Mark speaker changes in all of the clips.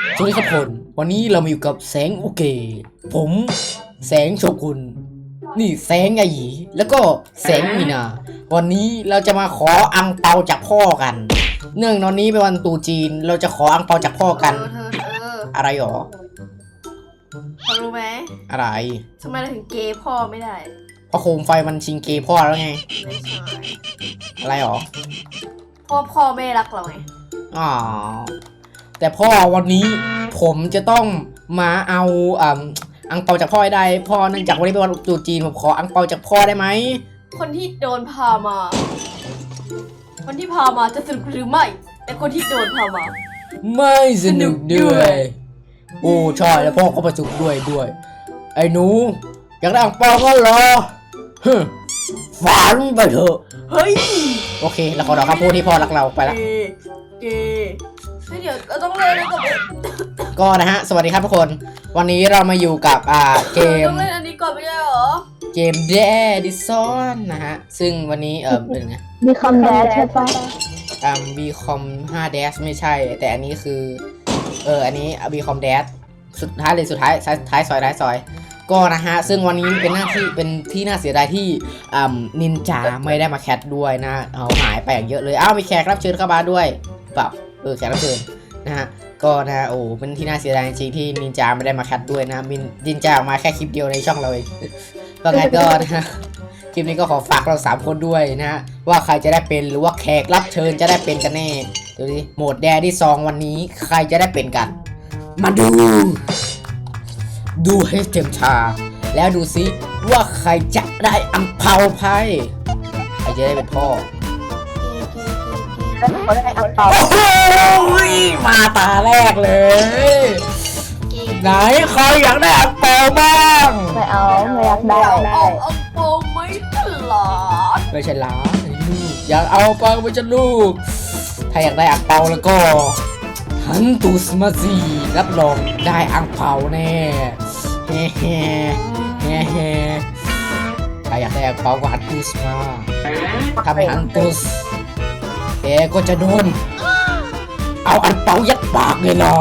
Speaker 1: สวัสดีครับคนวันนี้เรามาอยู่กับแสงโอเคผมแสงโชกุนนี่แสงไอหยีแล้วก็แสงมีนาวันนี้เราจะมาขออังเปาจากพ่อกันเนื่องในวันนี้เป็นวันตรุษจีนเราจะขออังเปาจากพ่อกันอะไรหรอ
Speaker 2: รู้ไหม
Speaker 1: อะไร
Speaker 2: ทำไมเราถึงเกย์พ่อไม่ได้
Speaker 1: เพราะโคมไฟมันชิงเกย์พ่อแล้วไง
Speaker 2: ไม่ใช่
Speaker 1: อะไรหรอ
Speaker 2: พ่อไม่รักเราไง
Speaker 1: อ๋อแต่พ่อวันนี้ผมจะต้องมาเอาอังเปาจากพ่อให้ได้พ่อเนื่องจากวันนี้เป็นวันตรุษจีนผมขออังเปาจากพ่อได้ไหม
Speaker 2: คนที่โดนพามาคนที่พามาจะสนุกหรือไม่แต่คนที่โดนพามา
Speaker 1: ไม่สนุกด้วยโอ้ใช่แล้วพ่อก็ประจุด้วยไอ้หนูอยากได้อังเปาก็รอฝันไปเถอะ
Speaker 2: เฮ้ย
Speaker 1: โอเคแล้วขอดอกคำพูดที่พ่อรักเราไปละ
Speaker 2: เเดี๋ยวเราต้องเล่น
Speaker 1: ก็นะฮะสวัสดีครับทุกคนวันนี้เรามาอยู่กับเกม
Speaker 2: ต้องเล่นอันนี้ก่อนไม่ใช่หรอ
Speaker 1: เกมแดดิซอนนะฮะซึ่งวันนี้เป็นไง
Speaker 3: บีคอมแดชใช่ปะ
Speaker 1: บีคอม5 dash ไม่ใช่แต่อันนี้คืออันนี้บีคอมแดชสุดท้ายท้ายซอยก็นะฮะซึ่งวันนี้เป็นที่น่าเสียดายที่นินจาไม่ได้มาแคทด้วยนะเอาหายไปอย่างเยอะเลยมีแขกรับเชิญเข้ามาด้วยเปล่าแขกรับเชิญนะฮะก็นะโอ้เป็นที่น่าเสียดายจริงๆที่นินจาไม่ได้มาแคทด้วยนะนินจาออกมาแค่คลิปเดียวในช่องเราเองก็ไงก็นะคลิปนี้ก็ขอฝากเรา3คนด้วยนะว่าใครจะได้เป็นหรือว่าแขกรับเชิญจะได้เป็นกันแน่ดูดิโหมดแดที่2วันนี้ใครจะได้เป็นกันมาดูให้เต็มชาแล้วดูซิว่าใครจะได้อังเปาไพ่ใครจะได้เป็นพ่อมาตาแรกเลยไหนใครอยากได้อังเปาบ้าง
Speaker 3: ไม่อยากได้
Speaker 2: เอาโปไม่หลอด
Speaker 1: ไม่ใช่หลานอยากเอาเปาไม่ใช่ลูกถ้าอยากได้อังเปาแล้วก็ฮันตุสมาซีรับรองได้อังเปาแน่เฮ้ถ้าอยากได้อังเปาก็ฮันตุสมาถ้าไม่ฮันตุสแกก็จะโดนเอาอังเปายัดปากเลยล่ะ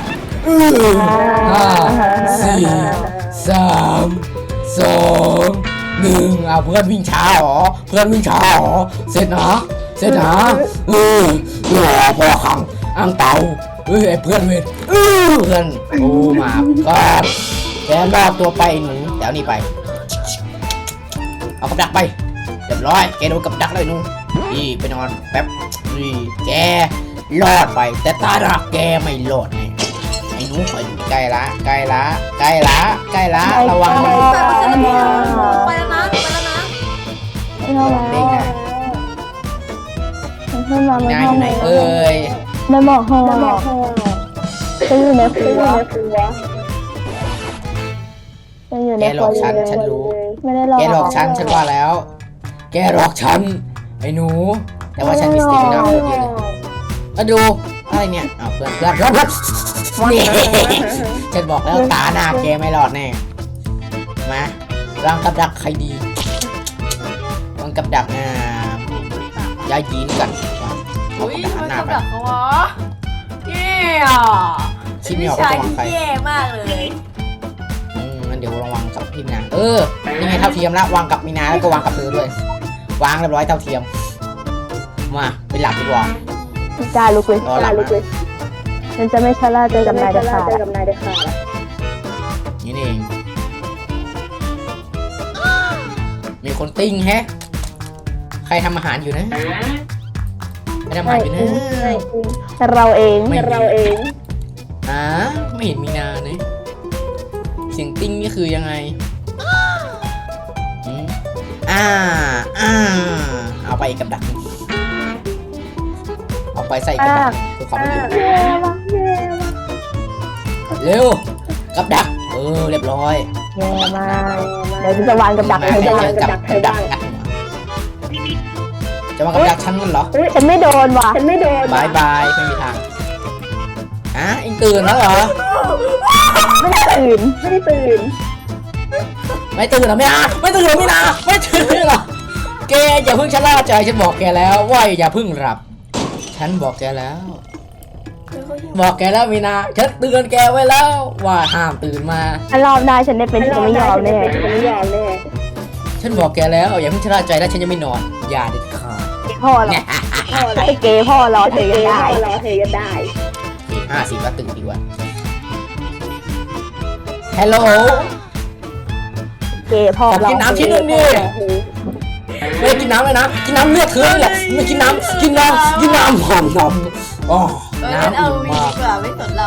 Speaker 1: 5 4 3 2 1เพื่อนวิ่งช้าหรอเสร็จนะพอขังอังเปาไอ้เพื่อนเวทเพื่อนโอ้มาก็แกรอบตัวไปหนูเดี๋ยวนี้ไปเอากับดักไปเรียบร้อยแกโดนกับดักเลยหนูนี่ไปนอนแป๊บนี่แกรอดไปแต่ตาดักแกไม่รอดไงไอ้หนูคอยใกล้ละระวัง
Speaker 2: ไปแล้วนะ
Speaker 1: เด้งนะนายอยู่ไหน
Speaker 3: ในหมอกห้องจะอยู่ในครัว
Speaker 1: แกหลอกฉันรู้แกหลอกฉันว่าแล้วแกหลอกฉันไอ้หนูแต่ว่าฉันมีสติไม่น่าพูดเยอะเลยมาดูอะไรเนี่ยเพื่อนนี่ฉันบอกแล้วตาหน้าแกไม่รอดแน่มาวางกับดักใครดีวางกับดักยายยีนกัน
Speaker 2: เอากับดักหน้าไป
Speaker 1: ชิมไม่ออกก็วางใคร
Speaker 2: แย่มากเลย
Speaker 1: งั้นเดี๋ยวระวังกับพี่มีนานี่ไงเท่าเทียมแล้ววางกับมีนาแล้วก็วางกับเธอด้วยวางเรียบร้อยเท่าเทียมมาไปหลับดีกว่า
Speaker 3: จ้าลุกเลยฉันจะไม่ชะล่าใจกับนายเด็ดขาด
Speaker 1: นี่เองมีคนติ้งแฮะใครทำอาหารอยู่นะไม่ทำอาหารอยู่นะ
Speaker 3: เราเอง
Speaker 1: ไม่เห็นมีนาเนี่ยเสียงติ้งนี่คือยังไงเอาไปกับดักเอาไปใส่กับดักเพื่อความไม่อยู่เร็วกับดักเรียบร้อย
Speaker 3: แย่มากเดี๋ยวจะวางกับดักให้ได้
Speaker 1: กับดักจะวางกับดักฉันกันเหรอ
Speaker 3: ฉันไม่โดนว่ะ
Speaker 1: บายไม่มีทางเอ็งตื่นแล้วเหรอ
Speaker 3: ไม่ตื่น
Speaker 1: ไม่ตื่นหรอไม่ตื่นหรอแกอย่าเพิ่งชะล่าใจฉันบอกแกแล้วว่าอย่าเพิ่งหลับฉันบอกแกแล้ว
Speaker 2: เขาหิว
Speaker 1: บอกแกแล้วมีนาฉันเตือนแกไว้แล้วว่าห้ามตื่นมา
Speaker 3: ถ้ารอบหน้าฉันได้เป็นฉันจะไม่ยอมแน่
Speaker 1: ฉันบอกแกแล้วอย่าเพิ่งชะล่าใจนะฉันยังไม่นอน อย่าเด็ดขาด
Speaker 3: พ่อหรอไอ้เกย์พ่อรอเธอกันได้
Speaker 1: 50ก็ตื่นดีกว่าฮัลโหล
Speaker 3: เกย์พ่อ
Speaker 1: ขอ
Speaker 3: รอ
Speaker 1: กินน้ำชิ้นหนึงดิไม่กินน้ำเลยนะกินน้ำเลือดเธอนี่แหละไม่กินน้ำหอมอ๋อ
Speaker 2: งั้น
Speaker 1: น้ำ
Speaker 2: เอา
Speaker 1: อิ่ม
Speaker 2: วี
Speaker 1: มาก
Speaker 2: ดีกว่าไม่สนเรา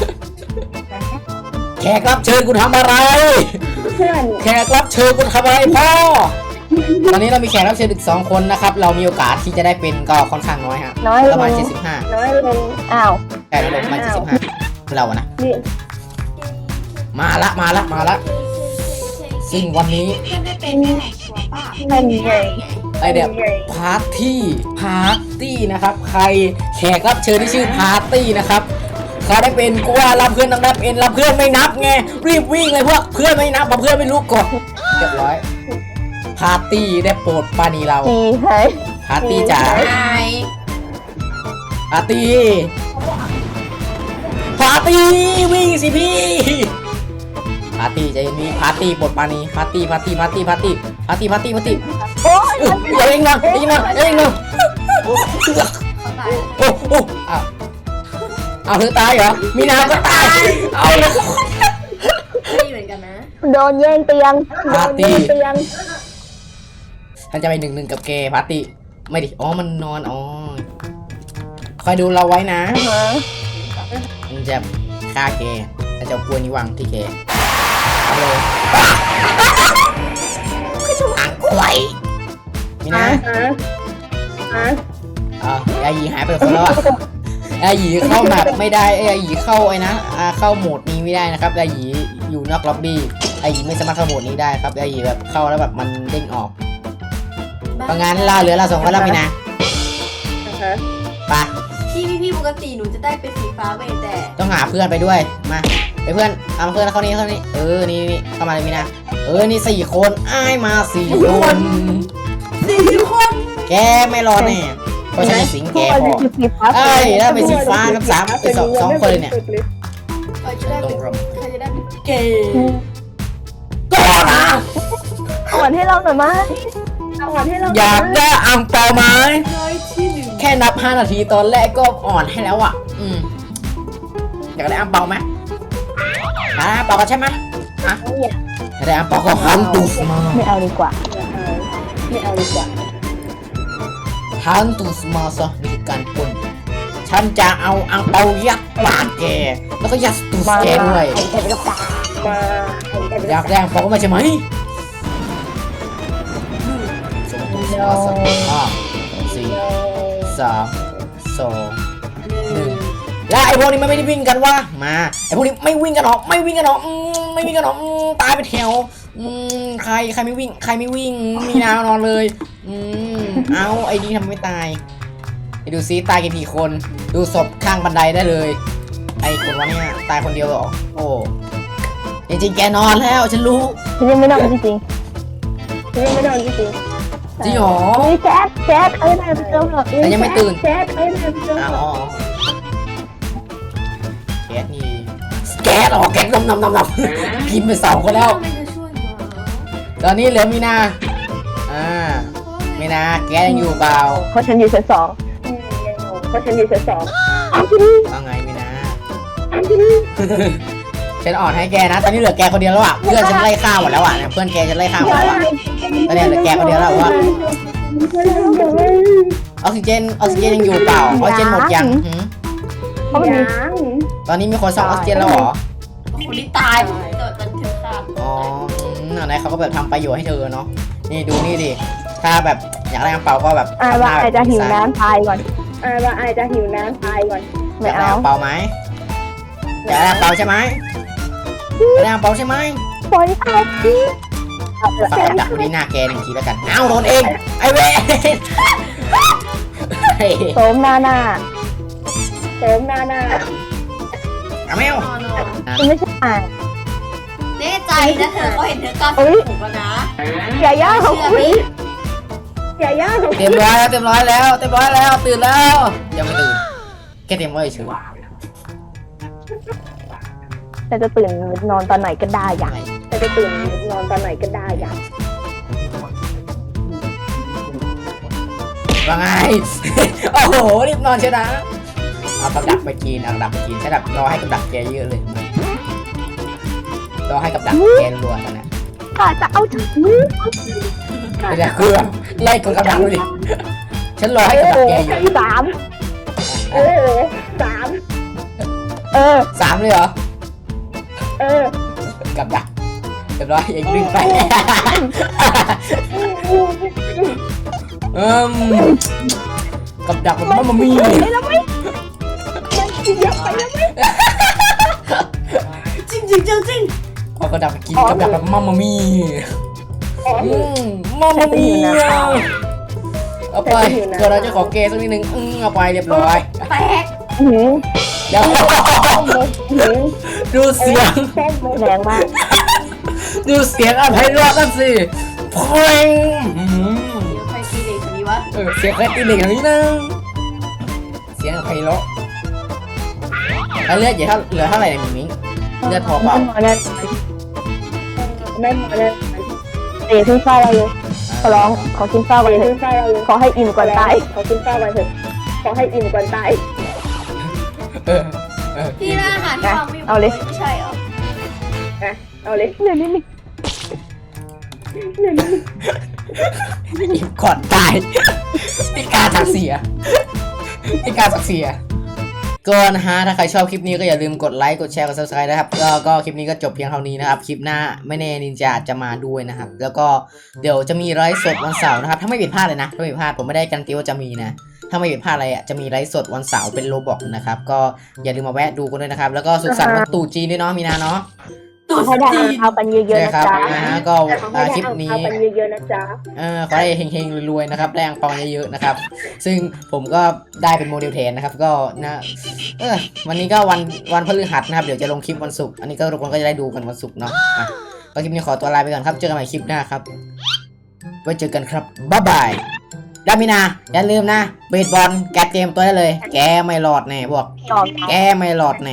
Speaker 1: แขกรับเชิญกูทำอะไร แขกรับเชิญกูทำอะไรพ่อ ตอนนี้เรามีแขกรับเชิญอีก2 คนนะครับ เรามีโอกาสที่จะได้เป็นก็ค่อนข้างน้อยครับ
Speaker 3: น้อยล
Speaker 1: ประมาณ
Speaker 3: ง
Speaker 1: 75
Speaker 3: อ้าว
Speaker 1: แต่เราประมาณ75เราอะนะ มาละซึ่งวันนี้
Speaker 3: นั่นไง
Speaker 1: ไอเดียพาร์ตี้นะครับ ใครแขกรับเชิญที่ชื่อพาร์ตี้นะครับเขาได้เป็นกูว่ารับเพื่อนต้องนับเอ็นรับเพื่อนไม่นับไงรีบวิ่งเลยพวกเพื่อนไม่นับเพื่อนไม่รู้กดเรียบร้อยพาร์ตี้ได้โปรดปราณีเรา
Speaker 3: ดีใช่
Speaker 1: พาร์ตี้จ๋า
Speaker 2: ไอ้
Speaker 1: พาร์ตี้วิ่งสิพี่พาร์ตี้ใจเย็นพี่พาร์ตี้โปรดปราณีพาร์ตี้
Speaker 3: โอ้ย
Speaker 1: อย่าเองนะโอ้เอาเธอตายเหรอมีนาก็ตายเอาเลย
Speaker 2: ไม่เหมือนกันนะ
Speaker 3: โดนแย่งเตียง
Speaker 1: พาร์ตี้ฉันจะไป1-1กับแกพาร์ตี้ไม่ดิอ๋อมันนอนอ๋อคอยดูเราไว้นะมันจะฆ่าแกแต่จะเอากล้วยนี้วางที่แกเอาเลยอ่างควายมีนะยาหยีหายไปคนแล้วอะยาหยีเข้าแบบไม่ได้ยาหยีเข้าไอ้นะเข้าโหมดนี้ไม่ได้นะครับยาหยีอยู่นอกล็อบบี้ยาหยีไม่สามารถเข้าโหมดนี้ได้ครับยาหยีแบบเข้าแล้วแบบมันเด้งออกเพราะงั้นเหลือเรา2 คนแล้วมีนะไป
Speaker 2: พี่ปกติหนูจะได้เป็นสีฟ้าเว้ยแต่
Speaker 1: ต้องหาเพื่อนไปด้วยมาไปเพื่อนเอาเพื่อนเข้านี่นี่เข้ามาเลยมีนะนี่4 คนอ้ายมา4 คน
Speaker 2: 4 คน
Speaker 1: แกไม่รอดแน่เพราะฉันเป็นสิงแกพอ
Speaker 3: สีฟ้า
Speaker 1: เอ้ยแล้วเป็นสีฟ้ากับ3เป็นสองคนเลยเนี่ย
Speaker 2: ใครจะได้เป็นเกย์
Speaker 1: ก็นะ
Speaker 3: อ่อนให้เราหน่อยมั้ย
Speaker 1: อยากได้อ่างเปาไหม
Speaker 2: น้อยที่หนึ่ง
Speaker 1: แค่นับ5 นาทีตอนแรกก็อ่อนให้แล้วอ่ะอยากได้อ่างเปาไหมเปากันใช่ไหมอยากได้อ่างเปาก็หันตูสมา
Speaker 3: ไม่เอาดีกว่า
Speaker 1: หันตูสมาซะนี่คือการปล้นฉันจะเอาอ่างเปายัดปากแกแล้วก็ยัดตูสแกด้วย อยากได้อ่างเปาก็มาใช่ไหมส่งตูสมาซะ4 3 2 แล้วไอ้พวกนี้มันไม่ได้วิ่งกันวะมาไอ้พวกนี้ไม่วิ่งกันหรอกไม่วิ่งกันหรอกตายไปแถวใครไม่วิ่งมีนานอนเลยเอาไอ้นี่ทำไม่ตายไปดูซิตายกี่คนดูศพข้างบันไดได้เลยไอ้คนวะเนี่ยตายคนเดียวเหรอโอ้จริงๆแกนอนแล้วฉันรู้
Speaker 3: ฉันยังไม่นอนจริง
Speaker 1: จริงเหรอ
Speaker 3: นี่แจ๊ดเอ้ยนายไปเจอเหรอ
Speaker 1: แต่ยังไม่ตื่น
Speaker 3: แจ๊ดเอ้ยนายไปเจอเหร
Speaker 1: อ๋
Speaker 3: อ
Speaker 1: อแก๊สนี่แก๊สออกแก๊สนำกินไป2 คนแล้ว
Speaker 2: ไม่จะช่วยหรอ
Speaker 1: ตอนนี้เหลือมีนามีนาแกยังอยู่เปล่า
Speaker 3: เพราะฉันอยู่ชั้น 2เอาที่นี่
Speaker 1: ว่าไงมีนาฉันอ่อนให้แกนะ ตอนนี้เหลือแกคนเดียวแล้วอ่ะ เพื่อนฉันไล่ฆ่าหมดแล้วอ่ะเนี่ยเพื่อนแกจะไล่ฆ่าหมดแล้วอ่ะตอนนี้เหลือแกคนเดียวแล้วว่าออกซิเจนยังอยู่เปล่าออกซิเจนหมดยังหืม
Speaker 3: เพราะมันมี
Speaker 1: ตอนนี้มีคนซ่อมออกซิเจนแล้วเหรอ
Speaker 2: คนที่ตายโดดมันถึงขาด
Speaker 1: อ๋อไหนเขาก็แบบทำประโยชน์ให้เธอเนาะ นี่ดูนี่ดิ ถ้าแบบอยากได้กระเป๋าก็แบบ
Speaker 3: ว่าไอจะหิวน้ำตายก่อน
Speaker 1: อ
Speaker 3: ไม่
Speaker 1: ยากได้
Speaker 3: เอา
Speaker 1: กระเป๋าไหมอยากได้กระเป๋าใช่ไหมอยากได้กระเป๋าใช่ไหม
Speaker 3: ปล่อยเอาสิเอาเถอะ
Speaker 1: ฝากดักไว้ที่หน้าแก1 ทีแล้วกัน เอาโดนเอง ไอเว
Speaker 3: โสมหน้า
Speaker 1: เอาแมว
Speaker 3: คุณไม่ใช่อ่าน
Speaker 2: แน่ใจนะเธอเขาเห็นเธอกล้าถูกแล้วนะ
Speaker 3: อย่าย่าของคุณ
Speaker 1: เต็มร้อยแล้วตื่นแล้วยังไม่ตื่นแค่เต็มร้อยเฉย
Speaker 3: ฉันจะตื่นนอนตอนไหนก็ได้อยากฉันจะตื่นนอนตอนไหนก็ได้อยาก
Speaker 1: ว่าไง โอ้โหรีบนอนเชียวนะเอากับดักไปกินเอากับดักไปกินใช่แบบรอให้กับดักแกเยอะเลยรอให้กับดักแกรัวๆตอนนั้น
Speaker 3: ข้าจะเอาถึง
Speaker 1: เดี๋ยวคือไล่กับดักดูดิฉันรอให้กับดักแกอยู่
Speaker 3: สามสาม
Speaker 1: 3เลยเหรอ
Speaker 3: เออ
Speaker 1: กับดักเรียบร้อยอย่าดึงไปกับดักมันมามี
Speaker 3: ไม่แล้วไม่เยอะไปแล้วไม่
Speaker 2: จริงจริงจริงจริง
Speaker 1: เอากับดักไปกินกับดักแบบมามามีมามามีเอาไปเดี๋ยวเราจะขอเกย์สักนิดนึงเอาไปเรียบร้อย
Speaker 2: แตก
Speaker 1: เดี๋ยวดูเสียง
Speaker 3: แรงมาก
Speaker 1: ดูเสียงอะไรรอดกันสิเพลง
Speaker 2: เดี๋ยวใครตีเด็กคนนี้วะ
Speaker 1: เสียงใครตีเหล็กอย่างนี้นะเสียงไพเราะแล้วเลือดเหลือเท่าไหร่เนี่ยมิงเลือดพอเปล่า
Speaker 3: ไม่หมดเลยเดี๋ยวขึ้นเฝ้าเราเลยขอร้องขอกินเฝ้ากันเลยขอให้อิ่มก่อนตายขอกินเฝ้ากันเถอะขอให้อิ่มก่อนตาย
Speaker 2: ที่ร้านอาหารที่วางไม่
Speaker 3: เอาเลย
Speaker 2: ไม่ใช่เหรอ
Speaker 3: เอาเลยเหนื่อยนิดนึง
Speaker 1: อิ่มก่อนตายพิการศักดิ์ศรีพิการศักดิ์ศรีก็นะฮะถ้าใครชอบคลิปนี้ก็อย่าลืมกดไลค์กดแชร์กด subscribe นะครับก็คลิปนี้ก็จบเพียงเท่านี้นะครับคลิปหน้าไม่แน่นินจาจะมาด้วยนะครับแล้วก็เดี๋ยวจะมีไลฟ์สดวันเสาร์นะครับถ้าไม่ผิดพลาดเลยนะถ้าไม่ผิดพลาดผมไม่ได้การันตีว่าจะมีนะถ้าไม่ผิดพลาดอะไรอ่ะจะมีไลฟ์สดวันเสาร์เป็นโรบอกนะครับก็อย่าลืมมาแวะดูกันด้วยนะครับแล้วก็สุขสันต์วันตรุษจีนด้วยเนาะมีนาเนาะ
Speaker 2: ตุ๊ด
Speaker 3: ให้ได้
Speaker 2: จีน
Speaker 3: เอากันเยอะๆ
Speaker 1: ใช่
Speaker 3: นะครับ จ๊ะ
Speaker 1: นะฮะก็คลิปนี้
Speaker 3: เอากันเยอะๆนะจ๊ะ
Speaker 1: ขอให้เฮงๆรวยๆนะครับได้อังเปาเยอะๆนะครับซึ่งผมก็ได้เป็นโมเดลแทนนะครับก็นะวันนี้ก็วันพฤหัสนะครับเดี๋ยวจะลงคลิปวันศุกร์อันนี้ก็ทุกคนก็จะได้ดูกันวันศุกร์เนาะก็คลิปนี้ขอตัวลาไปก่อนครับเจอกันใหม่คลิปหน้าครับไว้เจอกันครับบ๊ายบายดามินาอย่าลืมนะเบสบอลแกเตรียมตัวได้เลยแกไม่รอดแน่พวก
Speaker 3: ตอบ
Speaker 1: แกไม่รอดแน่